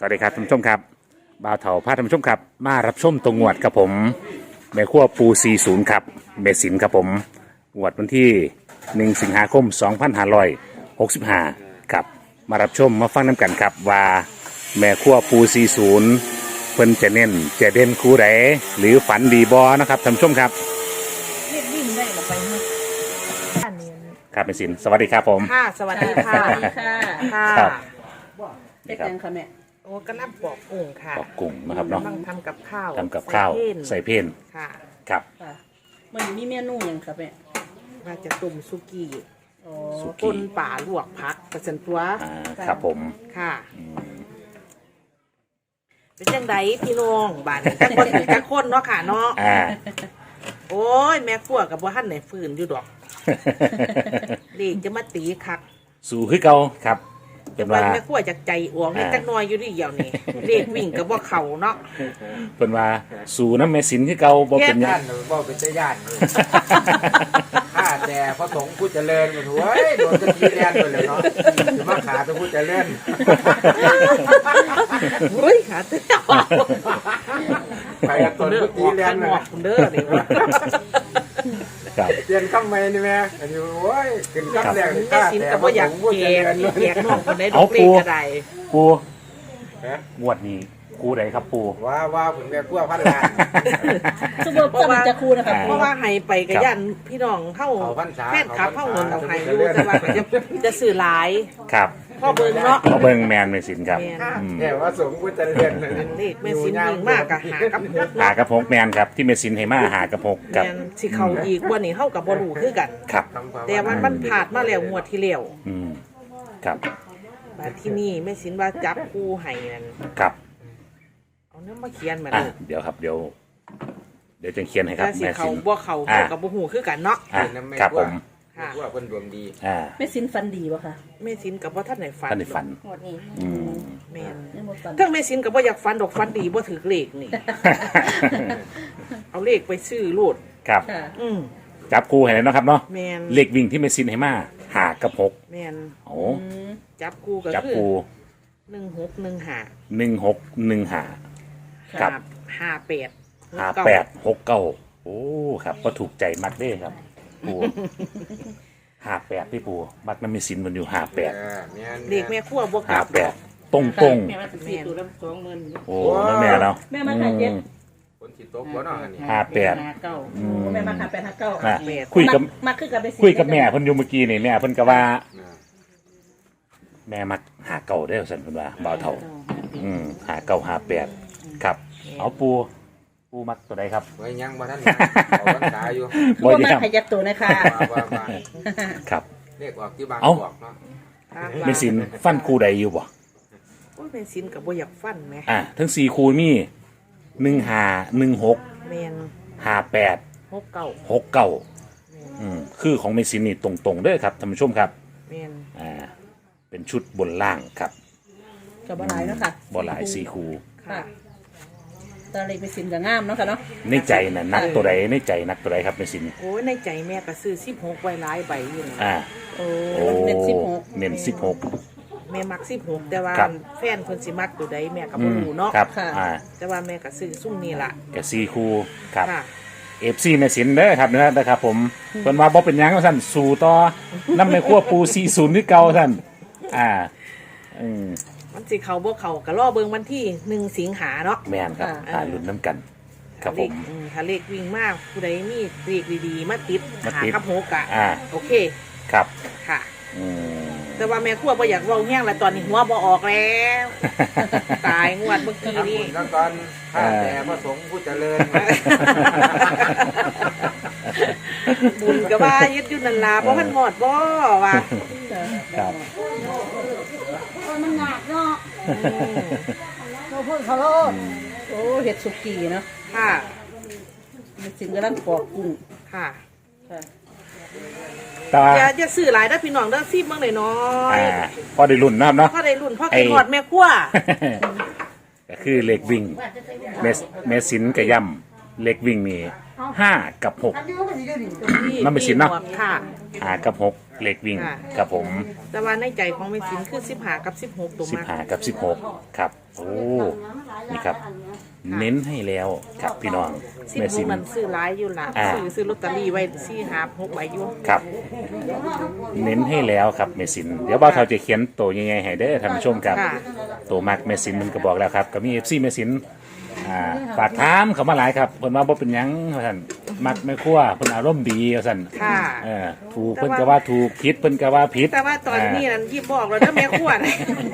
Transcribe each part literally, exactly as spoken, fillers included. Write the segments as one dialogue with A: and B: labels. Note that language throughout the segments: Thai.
A: วัสดีครับท่านผู้ชมครับบ่าวเถาพาท่านผู้ชมครับมารับชมตรงงวดกับผมแม่ขั้วปูสี่สิบครับเมสินครับผมงวดวันที่หนึ่งสิงหาคมสองพันห้าร้อยหกสิบห้าครับมารับชมมาฟังน้ำกันครับว่าแม่ขั้วปูสี่สิบเพิ่นจะเน้นจะเด่นคู่ใดหรือฝันดีบอนะครับท่านผู้ชมครับ
B: เรียกวิ่งได้หรอไปเนาะบ้านเนียน
A: ครับเมสินสวัสดีครับผม
B: ค่ะสวัสดีค่ะ
C: สวัสดีค่ะ
B: ค่ะ
A: ครับ
C: เด็กยังค่ะแม่
B: โอ้กำลังปอกกุ้งค่ะ
A: ปอกกุ้งนะครับเนาะ
B: กำลังทำกับข้าว
A: ทำกับข้าว
B: ใส่
A: ใส่
B: เพ่น
A: เพน
B: ค่ะ
A: ครับ
C: ค่ะมันมีเมนูหยังค่ะแม่
B: ว่าจะตุ่มสุกี้
C: อ๋อ
A: สุ
B: ต้นป่าลวกผักประสันตัว
A: อ่าครับผม
B: ค่ะเป็นยังไงพี่น้องบ้านนี้จักคนจักคนเนาะค่ะเนาะ
A: อ่า
B: โอ้ยแม่ขั้วกับว่าหันไหนฝืนอยู่ดอกเด็กจะมาตีคัก
A: สู่คือเก่าครับเป็น
B: วัน
A: ว่า
B: แม่ขั้วจากใจอ้วงให้
A: อ่า
B: จักหน้อยอยู่ที่เดียวนี่เด็กวิ่งกับว่าเขาเนาะ
A: เป็นว่าสู่น้ำเมสินคือเก่าบ่เป็นหยั
D: ย่าง นหรือว่าเป็นเจ้าย่านเลยข้าแต่พระสงฆ์ผู้เจริญกันหัวโดนจะทีแลนไปเลยเนาะจะมาขาตัวผู้เจริญ
B: เฮ้ยหาเต้า
D: ไปกับตน
B: เด้อ
D: ผู้
B: อ
D: ที
B: อก
D: แล
B: กัน นหม
D: เล
B: อย กคุณเด้อนี่วะ
A: ครับ
D: เรียนข้ามไม่นี่แม่อันนี้โอ้ยขึ้นข้ามแรก
B: แม่
D: ข้า
B: สิน
D: แต่
B: กับ
D: พระ
B: ว่าอ
D: ส
B: ยาก
D: งฆ์ผู้
B: แจ
D: เจ
B: ก
D: ริญ
B: แจกน้องคนได้ด
A: เอา
B: อกเล็ก
A: ปู
B: กระได
A: ปูงวดนี้กูใดครับปู
D: ว่าว่าผมแม่ขั้วพันล้าน
C: สมมติตอนจะครูนะคะ
A: อ่า
B: เพราะว่าให้ไปกับยันพี่น้องเข้า
D: เขาพรรษา
B: แฟนคลับเข้าเงิน
D: เขา
B: เอา
D: พรรษา
B: ให้อยู่แต่ว่าจะจะสื่อหลาย
A: ครับ
B: พ่อเบิ่งเนาะ
A: เขาเบิ่งแมนเมสินครับ
B: แม่น
A: อืม
D: แต่ว่าสงฆ์ผู้เจริญเลย
B: เลขแม่สินยิงมากกับหากับหก
A: หากระพกแมนครับที่เมสินให้มาหากระพกกับ
B: แม่นสิเขาอีกวันนี้เข้ากับบรูคือกัน
A: ครับ
B: แต่ว่ามันผ่านมาแล้วงวดที่แล้ว
A: อืมครับ
B: มาที่นี่แม่สินว่าจับคู่ให้นั่น
A: ครับ
B: เอาเนื้อมาเขียนมา
A: อ่ะ
B: ดู
A: เดี๋ยวครับเดี๋ยว เดี๋ยวจะเขียนให้ครับ
B: แต่สิ
A: แม่
B: เขา
A: สิน
B: บ่เขา
A: อ่า
B: เขากับบ่หูคือกันเนาะ
A: อ่ะครับผม
B: ค่ะ
D: ว่าเพิ่นดวงดี
A: อ่า
C: แม่สินฟันดีป่ะคะ
B: แม่สินกับว่าท่านไหนฝัน
A: ท่านในฝัน
C: หมดนี้
A: อืม
B: แม่น
C: ยังหมดฟัน
B: เทั้งแม่สินกับว่าอยากฝันดอกฝันดีบ่ถือเลขนี่ เอาเลขไปซื้อโลด
A: ครับ
C: ค่ะ
B: อืม
A: จับคู่ให้แล้วเนาะครับเนาะ
B: แม่น
A: เลขวิ่งที่เมสินให้มาหากระพก
B: แม่น
A: โอ้
C: อืม
B: จับคู่ก็
A: จับ
B: คือ
A: คู่
B: หนึ่งหกหนึ่งห้า
A: หนึ่งหกหนึ่งหา ครับ
B: ห้าแปด
A: ห้าแปดหกเก้าโอ้ครับก็ถูกใจมักเด้ครับปูห้าแปดพี่ปูมักน้ำมีสินมันอยู่ห้าแปด
D: เออแม่น
B: เลขแม่ขั้วบวก
A: ห้า
B: กับ
A: แปดตรงตรง
C: แม่มาสี่ตัวละสองหมื่น
A: ๆโอ้นั่นแม่เนาะ
C: แม่มาขายเจ็ด
D: คนสิโต๊ะหัวเนาะอันนี้
A: ห้าแปด
C: ห้าเก้าโอ้แม่มาขายแปดห้าเก้า
A: อ่ะคุยกับ
C: มาคือกับไปสิ
A: คุยกับแม่เพิ่นอยู่เมื่อกี้นี่แม่เพิ่นก็ว่า
D: อ่า
A: แม่มักหาเก่าได้อสันเพิ่นว่าบ่าวเท่า อืมหาเก่าหาแปดครับ เอาปูปูมักตัวใดครับ
D: ไว้ยังบ่ทันเขาพรรษาอยู่
A: บ่
C: ว่า
A: ดี
C: มา
A: ครับ
C: ขยับตัวนะคะ
D: ว่าว่าว่า
A: ครับ
D: เรียกออกที่บาง
A: เอ้า
D: บอกเนาะ
A: เมสินฟันคู่ใดอยู่บ่
B: โอ้ยแม่สินกับบ่อยากฟันไหม
A: อ่ะทั้งสี่คู่มีหนึ่งห้าหนึ่งหก
B: แม่น
A: ห้าแปด
B: หกเก้า
A: หกเก้า
B: แม่น
A: อืมคือของเมซินนี่ตรงๆเด้อครับท่านผู้ชมครับ
B: แม่น
A: อ่าเป็นชุดบนล่างครับ
C: กับบหลายเนาะค่ะ
A: บอลหลายสี่คู
C: ค่ะตอนเล็กไปสินกับงามเนาะค่ะเนาะ
A: ในใจน่ะนักตัวใดในใจนักตัวใดครับเมซิน
B: โอ้ยในใจแม่ก็ซื้อสิบหกไว้หลายใบอยู่นะ
A: อ่า
C: โอ้
A: โอ้
C: เน็ตสิบหก
A: เน้นสิบหก
B: แม่มักสิบหกแต่ว่า
A: ครับ
B: แฟนเพิ่นสิมักตัวใดแม่ก็
A: อื
B: บ่
A: ม
B: รู้เนาะ
A: ครับอ่า
B: แต่ว่าแม่ก็ซื้อซุ่มนี่ล่ะ
A: กับสี่คูครับ
B: ค่ะ
A: เอฟซีเมซินเด้อครับเนื้อนะครับผมเพิ่นว่าบ่เป็นหยังว่าซั่นสู่ต่อน้ำในครัวปูสี่ศูนย์ที่เก่าท่านอ่าอืม
B: มันสิเขาบ่เขาก็รอเบิ่งวันที่หนึ่งสิงหาเนาะ
A: แม่นครับหาลุ้นน้ำกัน ครับผม
B: เลขอืถ้าเลขวิ่งมากผู้ใดมีเลขดีๆมาติด
A: มา
B: หา
A: ติด
B: กับหกอะ
A: อ่า
B: โอเค
A: ครับ
B: ค่ะ
A: อืม
B: แต่ว่าแม่ครัวบ่อยากเว้าแห้งแล้วตอนนี้หัวบ่ออกแล้ว ตายงวดเมื่อกี้
D: ทำ
B: นี่
D: บุญแล้วก่อนข้าแต่พระสงฆ์ผู้เจริญ
B: บุญก็ว่ายึดอยู่นั่นล่ะบ่ทันหมดบ่ว่า
A: ครับ
C: มันหนักเนาะ
B: อืม
C: เราพูดเขาโลดโอ้เห็ดสุกี้เนาะ
B: ค่ะ
C: แม่สินกำลังปอกกุ้ง
B: ค่ะ
C: ค่ะ
A: แต่ว่า
B: อย่าอย่าซื้อหลายเด้อพี่น้องเด้อซีบเบิ่งหน่อย
A: อ่าพอได้รุ่นนะครับเนาะ
B: ๆพ่อได้รุ่นพ่อกินฮอดแม่ครัว
A: ก็คือเหล็กวิ่งเมสเมสินกับย่ำเหล็กวิ่งนี่ห้ากับหก
C: อันนี้ก็สิได้ดี
A: นั่นเป็นสินเนาะ
B: หมวกค่ะ
A: หากับหกเลขวิ่ง
B: ค่ะ
A: ครับผม
B: แต่ว่าในใจของแม่สินคือสิบห้ากับสิบหกตัว
A: สิบ
B: มาก
A: หากับสิบหกครับโอ้นี่ครับ เน้นให้แล้วครับพี่น้อง
B: สิบ
A: แม่
B: ห
A: สิ
B: ก
A: น
B: มันซื้อร้ายอยู่ล่ะ
A: อ่า
B: ซื้อซื้อลอตเตอรี่ไว้สี่หาหกใบอยู่
A: ครับ เน้นให้แล้วครับแม่สินเดี๋ยวบ่าวเฒ่าจะเขียนตัวยังไงให้เด้อท่านผู้ชมครับ
B: ค่ะ
A: ตัวมักแม่สินมันก็บอกแล้วครับก็มี เอฟ ซี แม่สินอ่าฝากถามเขามาหลายครับเพิ่นว่าบ่เป็นหยังว่าซั่นมักแม่ครัวเพิ่นอารมณ์ดีว่าซั่น
B: ค่ะ
A: เออถูกเพิ่นก็ว่าถูกผิดเพิ่นก็ว่าผิด
B: แต่ว่าตอนนี้นั้นที่บอกเราเด้อแม่ขวด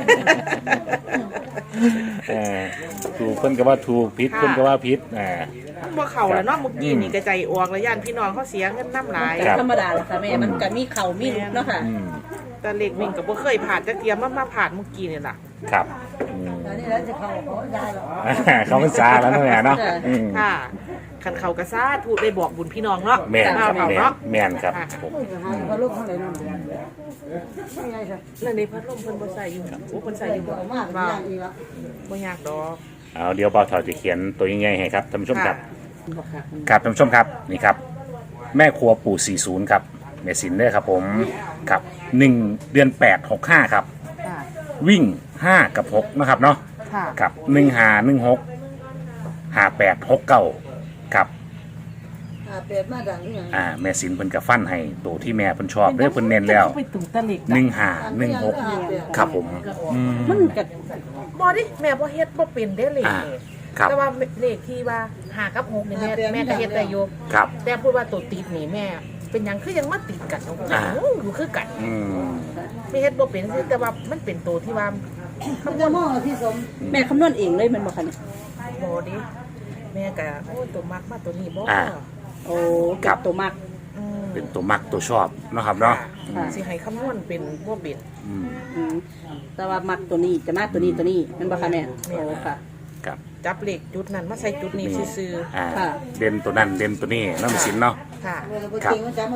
A: เออถูกเพิ่นก็ว่าถูกผิด
B: ค่ะ
A: เพิ่นก็ว่าผิดอ่า
B: บ่เข้าแล้วเนาะเมื่อกี้นี่กระใจออกแล้วย่านพี่น้องเขาเสียเงินน้ำหลาย
A: ครับ
C: ธรรมดาแหละค่ะแม่มันก็มีเข่ามีลุกเนาะค่ะ
A: อืม
B: แต่เล็กวิ่งก็บ่เคยผ่านจักเทียมมามาผ่านเมื่อกี้นี่ล่ะ
A: ครับอืม
C: อันนี้แล้วจะเข้าเขาได้หรอ
A: เขาเป็นซาแล้วเนาะแม่เนาะอืม
B: ค่ะคันเขากระซ่าถูกได้บอกบุญพี่น้องเนาะ
A: แม่น
B: เอา
A: แม่
B: เฒ่าน เนาะ
A: แม่นครับผม
C: เขาลูกเขาเลยนั่นไม่ไงค่ะ
B: แล้วในพัดลมเพิ่นบ่ใส่อยู่โอ้เพิ่นใส่อยู่บ่
C: มาก
B: บ่
C: มากอีกละ
B: บ่ยากดอก
A: เอาเดี๋ยวบ่าวเฒ่าจะเขียนตัวยังไงให้ครับท่านผู้ชมครับ
B: ค่ะ
A: ครับท่านผู้ชมครับนี่ครับ แม่ครัวปู่สี่สิบครับแม่สินเด้อครับผมครับหนึ่งเดือนแปดหกห้าครับ
B: ค่ะ
A: วิ่งห้ากับหกนะครับเนาะ
B: ค่ะ
A: กับหนึ่งหาหนึ่งหกหาแปดหกเก้ากับ
C: อ่าเปลี่ยนมาดังนี่ไง
A: อ่าแม่สินเพิ่นกับฟันให้ตัวที่แม่เพิ่นชอบเด้อเพิ่นเน้นแล้ว
B: ไปตุ่มตะเล็ก
A: หนึ่งหาหนึ่งหกครับผมอืม
C: มันก็
B: บ่ดิแม่บ่เฮ็ดบ่เป็นเด้เลข
A: อ่า
B: นี่
A: ครับ
B: แต่ว่าเลขที่ว่าหากับหกนี่แม่แม่ก็เฮ็ดได้อยู่
A: ครับ
B: แต่พูดว่าตัวติดนี่แม่ เป็นหยังคือยังมาติดกันเนาะ
A: อ่า
B: โอ้อยู่คือกัน
A: อืม
B: ไม่เฮ็ดบ่เป็นคือแต่ว่ามันเป็นตัวที่ว่า
C: มันจะมองที่สมแม่คำนวณเองเลยมันบอกค่ะเนี่ย
B: บ่ดิแม่ก็โอ้ตัวมักมาตัวนี้บ่
A: อ่า
C: โอ้กับตัวมาก
B: อืม
A: เป็นตัวมักตัวชอบเนาะครับเนาะ
C: ค่ะ
B: สิให้คำนวณเป็นบ่เป็น
A: อืม
C: อืมแต่ว่ามักตัวนี้จะมากตัวนี้ตัวนี้มันบอกค่ะแม่โอ้ค่ะ
A: ครับ
B: จับเลขจุดนั้นมาใส่จุดนี้ซื่อ
A: อ่า
C: ค่ะ
A: เด่นตัวนั้นเด่นตัวนี้เนาะแม่สินเนาะ
B: ๆค่ะ
A: ครับ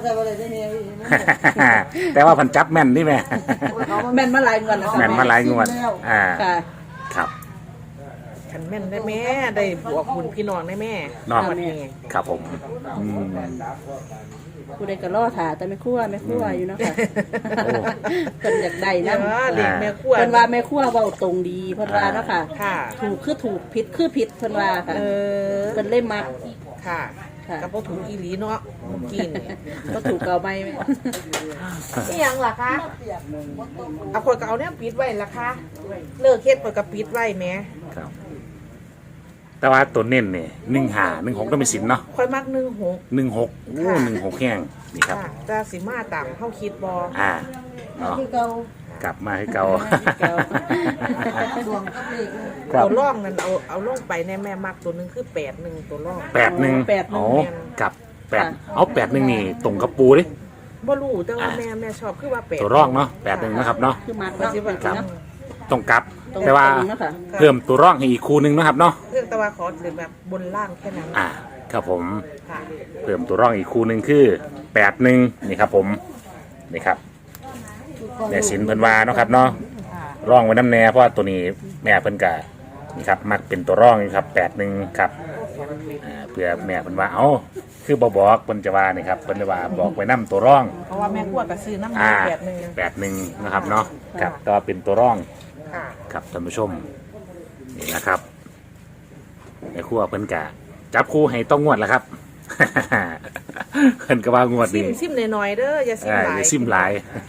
A: แต่ว่าเพันจับแม่นนี่แม่
C: แม่นมาหลายงวดแล้วค่ะ
A: แม่นมาหลายงวดอ่า
C: ค่ะ
A: ครับ
B: คันแม่นได้แม่ได้บวกบุญพี่น้องได้แม่
A: เนาะ
B: วันนี้
A: ครับผมอืม
C: ผู้ใดก็ล่อถาแต่ไม่คั่วไม่คั่วอยู่เนาะค่ะ
A: โอ้
C: เพิ่นอยากได้
B: เดี๋
C: นะ
B: ยวเลขแม่ขวด
C: เพิ่นว่าแม่คั่วเว้าตรงดีเพิ่นว่าเนาะค่ะ
B: ค่ะ
C: ถูกคือถูกผิดคือผิดเพิ่นว่าค่ะ
B: เออ
C: เพิ่นเล่มมัก
B: ค่ะ
C: ค่ะ
B: กับพวกถุงอีหลีเนาะเมื่อกี้นี่
C: ก็ถูกเก่าไหม
B: นี่ยังล่ะคะเอาคนก็เอาเนี่ยปิดไว้ล่ะคะเลิกเฮ็ดคนก็ปิดไว้แหม่
A: ครับ แต่ว่าตัวเน้นเนี่ยหนึ่งหาหนึ่งหกต้องเป็นสินเนาะ
B: คอยมักหนึ่งหก
A: หนึ่งหกโอ้หนึ่งหกแห้งนี่ครับ
B: ค่ะแต่สิมาตามเฮาคิดบ่
A: อ่าเนาะ
C: คือเก่าก
A: ลับมาให้เก่า
C: เก่า
A: ค
B: ตั
A: รับ
B: วร่องนั้นเอาเอาลงไปในแม่มักตัวหนึงคือแปดหนึ่งตัวร่อง
A: แปดหนึ่ง
C: แปดหนึ่
A: อ๋
C: ง
A: อกับแปดเอาแปดหนึ่งนี่ตรงกับปูดิ
B: บ่รู้แต่ว่าแม่แม่ชอบคือว่าแปด
A: ตัวร่องเนาะแปดหนึ่งนะครับเนาะ
C: คือมัก
B: ว่า
C: เนาะ
B: สิว่า
A: ครับ
B: เนาะ
A: ตรงกับ
C: ตรง
A: แต่ว่า
C: ตรงเนาะค่ะ
A: เพิ่มตัวร่องให้อีกคู่หนึ่งนะครับเนาะ
B: เรื่องแต่ว่าขอเรียนแบบบนล่างแค่นั้น
A: อ่าครับผม
B: ค่ะ
A: เพิ่มตัวร่องอีกคู่หนึ่งคือแปดหนึ่งนี่ครับผมนี่ครับแม่สินเพิ่นว่าเนาะครับเนาะ
B: ค่ะ
A: ร่องไว้น้ำแน่เพราะว่าตัวนี้แม่เพิ่นกะนี่ครับมักเป็นตัวร่องอยู่ครับแปดหนึ่งครับอ่าเพื่อแม่เพิ่นว่าเอ้าคือบอบอกเพิ่นจะว่านี่ครับเพิ่นจะว่าบอกไว้น้ำตัวร่อง
B: เพราะว่าแม่ขวดก็ซื้อน้ำ
A: อ่า
B: แปดหนึ่ง
A: แปดหนึ่งนะครับเนาะครับก็เป็นตัวร่อง
B: ค่ะ
A: ครับท่านผู้ชมนี่นะครับในครัวเพิ่นกะจับคู่ให้ต้องงวดแล้วครับ เพิ่นก็ว่างวด
B: ซิ
A: นี้
B: มซิมหน่อยๆเด้ออย่าซิม
A: อ่า
B: หลา
A: อย ย่าซิมหลาย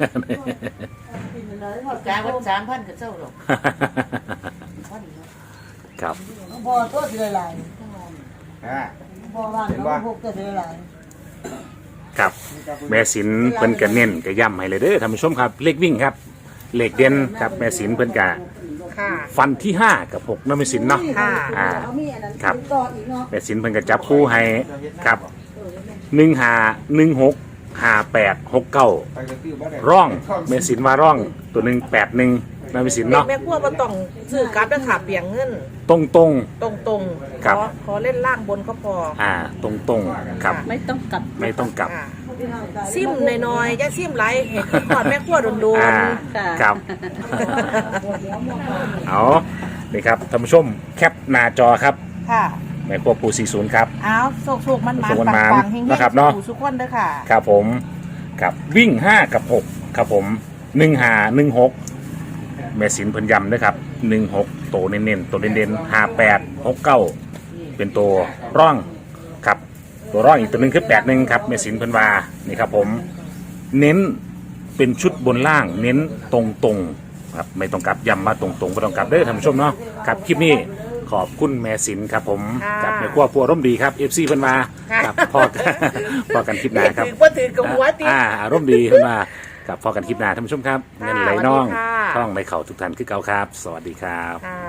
E: กาวันสามพันก็เจ้าหรอก
A: ครับ
C: พอตัวสิหลาย
D: อ่า
C: พอว่างก็พวกตัวสิหลาย
A: ครับแม่สินเพิ่นก็เน้นก็ย้ำให้เลยเด้อท่านผู้ชมครับเลขวิ่งครับเลขเด่นครับแม่สินเพิ่นก็
B: ค่ะ
A: ฟันที่ห้ากับหกนั่นแม่สินเนาะ
B: ค่ะ
A: อ่า
C: เขามีอันนั้น
A: ครับ
C: ต่ออีกเนาะ
A: แม่สินเพิ่นก็จับคู่ให้ครับหนึ่งหาหนึ่งหกหาแปดหกเก้าร่องแม่สินว่าร่องตัวหนึ่งแปดหนึ่งนั่นแม่สิน
B: เด็ก
A: เนาะ
B: แม่ขวดบ่ต้องซื้อกราฟด้วยค่ะเปลี่ยงเงิน
A: ตรงตรง
B: ตรงๆ
A: ครับ
B: ขอขอเล่นล่างบนก็พอ
A: ๆอ่าตรงตรงๆครับ
C: ไม่ต้องกลับ
A: ไม่ต้องกลับ
B: ค่ะซิมน้อยๆอย่าซิมหลายเห็นขอดแม่ขวดโดน
A: อ่า
B: ๆ
A: ครับ เอานี่ครับท่านผู้ชมแคปหน้าจอครับ
B: ค่ะ
A: แม่ครัวปูสี่ศูนย์ครับ
B: อ้าวโศกๆมันมา
A: โศกๆมัน
B: ปั
A: มาง
B: ปังๆเฮงๆ
A: นะครับเนาะ
B: ทุกคนเด้อค่ะ
A: ครับผมครับวิ่งห้ากับหกครับผมหนึ่งหาหนึ่งหกแม่สินเพิ่นย้ำนะครับหนึ่งหกโตเน้นๆตัวเด่นๆห้าแปดหกเก้าเป็นตัวร่องครับตัวร่องอีกตัวหนึ่งคือแปดหนึ่งครับแม่สินเพิ่นว่านี่ครับผมเน้นเป็นชุดบนล่างเน้นตรงๆครับไม่ต้องกลับย้ำมาตรงๆไม่ต้องกลับเด้อท่านผู้ชมเนาะครับคลิปนี้ขอบคุณแม่สินครับผม
B: ค่ะ
A: กับแม่ครัวพัวร่มดีครับเอฟซีเพิ่นมา
B: ค่ะ
A: ครับพอกันพอกันคลิปหน้าครับ
B: ถือว่าถือกับหัวติ
A: อ่าอารมณ์ดีขึ้นมากับพอกันคลิปหน้าท่านผู้ชมครับ
B: ค่ะ
A: เงินไหลน่อง
B: สวัสดีค่ะ
A: ท่องไหลเข่าทุกท่านคือเก่าครับ สวัสดีครับ
B: ค่ะ